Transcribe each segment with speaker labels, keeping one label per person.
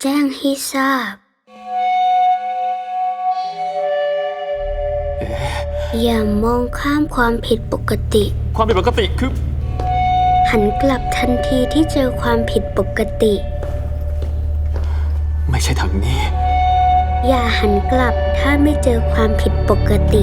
Speaker 1: แจ้งให้ทราบ อย่ามองข้ามความผิดปกติ
Speaker 2: ความผิดปกติคือ
Speaker 1: หันกลับทันทีที่เจอความผิดปกติ
Speaker 2: ไม่ใช่ทางนี้
Speaker 1: อย่าหันกลับถ้าไม่เจอความผิดปกติ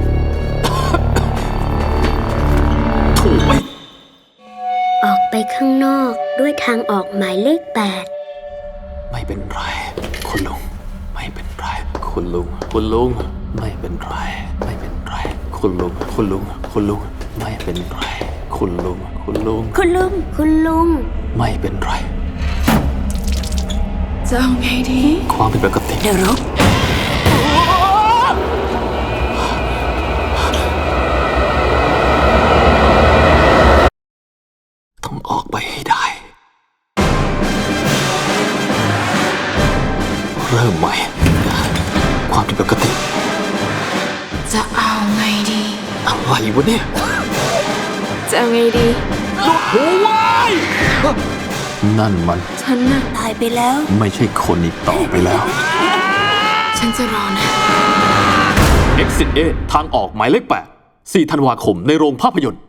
Speaker 2: ถูกไหม
Speaker 1: ออกไปข้างนอกด้วยทางออกหมายเลข
Speaker 2: ไม่เป็นไร คุณลุง ไม่เป็นไร คุณลุง คุณลุง ไม่เป็นไร ไม่เป็นไร คุณลุง คุณลุง คุณลุง ไม่เป็นไร คุณลุง คุณลุง
Speaker 1: 8 คุณลุง คุณลุง
Speaker 2: ไม่เป็นไร
Speaker 3: จะเอาไงดี
Speaker 2: ความผิดปกติ
Speaker 3: เดี๋ยวรบ
Speaker 2: ต้องออกไปให้ได้ เริ่มใหม่ ความผิดปกติ
Speaker 3: จะเอาไงดี
Speaker 2: อะไรวะเนี่ย
Speaker 3: จะเอาไงดี
Speaker 2: หัวไว้นั่นมัน
Speaker 3: ฉันน่ะตายไปแล้ว
Speaker 2: ไม่ใช่คนอีกต่อไปแล้ว
Speaker 3: ฉันจะรอนะ
Speaker 2: Exit A ทางออกหมายเลข 8 4 ธันวาคมในโรงภาพยนตร์